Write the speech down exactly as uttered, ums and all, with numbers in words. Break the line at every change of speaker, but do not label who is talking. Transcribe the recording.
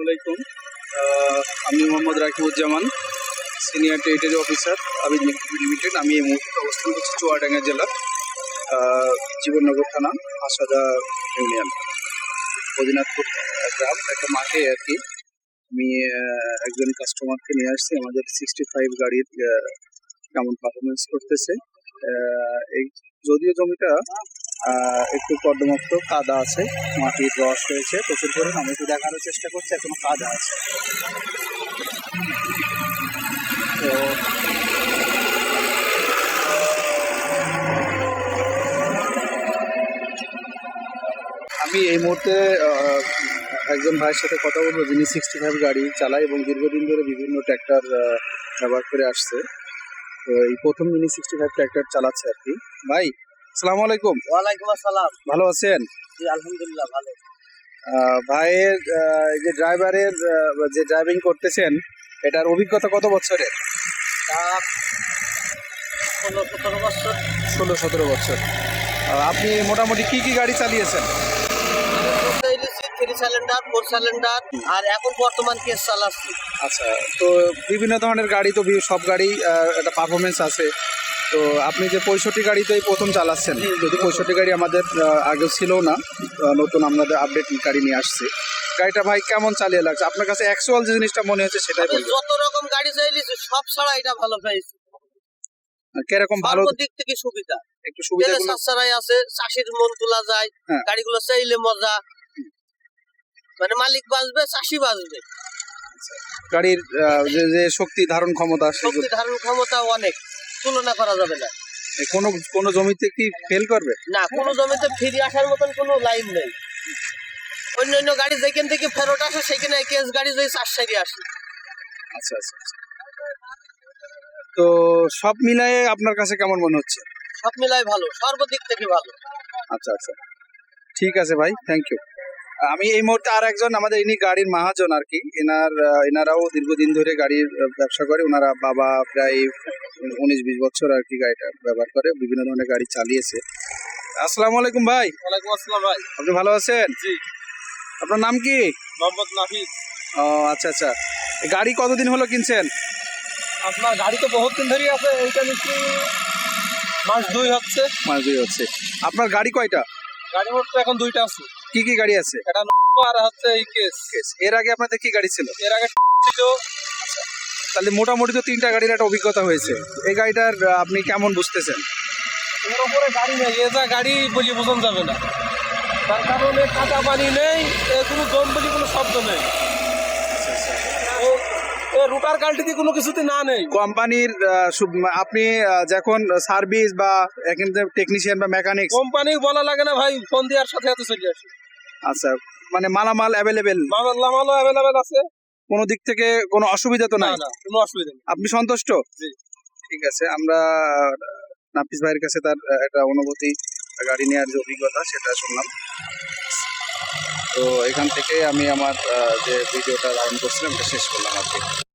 আলাইকুম। আহ, আমি Mohammad Rakibuzzaman, senior territory officer Abid limited. আমি এই মুহূর্তে অবস্থান করছি চুয়াডাঙ্গা জেলা, আহ, জীবননগর থানা, আসাদা ইউনিয়ন, অদিনাথপুর গ্রাম। একটা মাঠে আর কি আমি আহ, একজন কাস্টমারকে নিয়ে আসছি। আমাদের সিক্সটি ফাইভ গাড়ির আহ, কেমন পারফরমেন্স করতেছে। আহ, এই যদিও জমিটা আহ, একটু কর্দমাক্ত, কাদা আছে, মাটির রস হয়েছে প্রচুর করে। আমি একটু দেখানোর চেষ্টা করছি, এখনো কাদা আছে। তো আমি এই মুহূর্তে আহ, একজন ভাইয়ের সাথে কথা বলবো, যিনি সিক্সটি ফাইভ গাড়ি চালায় এবং দীর্ঘদিন ধরে বিভিন্ন ট্র্যাক্টর ব্যবহার করে আসছে। তো এই প্রথম যিনি সিক্সটি ফাইভ ট্র্যাক্টর চালাচ্ছে আর কি। ভাই, আসসালামু আলাইকুম।
ওয়ালাইকুম আসসালাম।
ভালো আছেন?
জি আলহামদুলিল্লাহ ভালো।
আহ, ভাইয়ের আহ, এই যে ড্রাইভারের আহ, যে ড্রাইভিং করতেছেন, এটার অভিজ্ঞতা কত বছরের?
তা ষোলো সতেরো বছর।
ষোলো সতেরো বছর। আহ, আপনি মোটামুটি কি কি গাড়ি চালিয়েছেন?
থ্রি সিলিন্ডার, ফোর সিলিন্ডার, আর এখন বর্তমান কেস চালাচ্ছি।
আচ্ছা, তো বিভিন্ন ধরনের গাড়ি তো বি- সব গাড়ি আহ, একটা পারফরমেন্স আছে। তো আপনি যে পঁয়ষট্টি গাড়িতেই প্রথম চালাচ্ছেন, যদি পঁয়ষট্টি গাড়ি আমাদের আহ, আগেও ছিল না, আহ, নতুন আমাদের আপডেট গাড়ি নিয়ে আসছে। গাড়িটা ভাই কেমন চালিয়ে লাগছে আপনার কাছে? অ্যাকচুয়াল যে জিনিসটা মনে হচ্ছে সেটাই
আমি
বলবেন।
যত রকম গাড়ি চাইছি সব ছাড়া এটা ভালো পাইছি।
আর কিরকম ভালো?
সর্ব দিক থেকে সুবিধা।
একটু সুবিধা
তেলে সাশ্রয় আছে, চাষির মন তোলা যায়,
হ্যাঁ।
গাড়িগুলো চাইলে মজা, মানে মালিক বাঁচবে, চাষি বাঁচবে।
গাড়ির আহ, যে যে শক্তি ধারণ ক্ষমতা,
শক্তি
সেগুলো
ধারণ ক্ষমতা অনেক, তুলনা করা যাবে না।
কোনো কোনো জমিতে কি ফেল করবে?
না, কোনো জমিতে ফিরে আসার মতন কোনো লাইন নেই। অন্য অন্য গাড়ি যেখান থেকে ফেরত আসে সেখানে কেস গাড়ি যদি চার সাইডে আসে।
আচ্ছা আচ্ছা আচ্ছা। তো সব মিলায়ে আপনার কাছে কেমন মনে হচ্ছে?
সব মিলাই ভালো, সর্বদিক থেকে ভালো।
আচ্ছা আচ্ছা, ঠিক আছে ভাই, থ্যাংক ইউ। আমি এই মুহূর্তে আর একজন আমাদের ইনি গাড়ির মহাজন আর কি, এনার আহ, এনারাও দীর্ঘদিন ধরে গাড়ির আহ, ব্যবসা করে। ওনারা বাবা প্রায় উনিশ বিশ বছর আর কি গাড়িটা ব্যবহার করে, বিভিন্ন ধরনের গাড়ি চালিয়েছে। আসসালামু আলাইকুম ভাই।
ওয়ালাইকুম আসসালাম ভাই।
আপনি ভালো আছেন?
জি।
আপনার নাম কি?
মোহাম্মদ নাফিস।
ও আচ্ছা আচ্ছা। এই গাড়ি কতদিন হলো কিনছেন?
আপনার গাড়ি তো বহুত দিন ধরেই আছে, এইটা নিশ্চয়ই মাস দুই হচ্ছে।
মাস দুই হচ্ছে। আপনার গাড়ি কয়টা?
গাড়ি মোট তো এখন দুইটা আছে।
কি কি গাড়ি আছে?
এটা আর হচ্ছে এই কেস।
এর আগে আপনাদের কি গাড়ি ছিল?
এর আগে ছিল।
তাহলে মোটামুটি তো তিনটা গাড়ির একটা অভিজ্ঞতা হয়েছে। এই গাড়িটার আহ, আপনি কেমন বুঝতেছেন?
এর উপরে গাড়ি নেই, এ যা গাড়ি বলি বোঝানো যাবে না। তার কারণে কাঁচা পানি নেই, এ কোনো দম বলি কোনো শব্দ নেই। রুটার কাল্টিতে কোনো কিছুতে না নেই।
কোম্পানির আহ, সু- আপনি আহ, যখন সার্ভিস বা এখানে টেকনিশিয়ান বা মেকানিক,
কোম্পানি বলা লাগে না ভাই, ফোন দেওয়ার সাথে সাথে চলে আসে।
আচ্ছা, মানে মালামাল অ্যাভেলেবেল,
মালামালও অ্যাভেলেবেল আছে,
কোনো দিক থেকে কোনো অসুবিধা তো
না
নাই?
না কোনো অসুবিধা নেই।
আপনি সন্তুষ্ট?
জি।
ঠিক আছে, আমরা আহ, নাফিস ভাইয়ের কাছে তার আহ, একটা অনুভূতি, গাড়ি নেওয়ার যে অভিজ্ঞতা সেটা শুনলাম। তো এখান থেকে আমি আমার আহ, যে ভিডিওটা ধারণ করছিলাম এটা শেষ করলাম আর কি।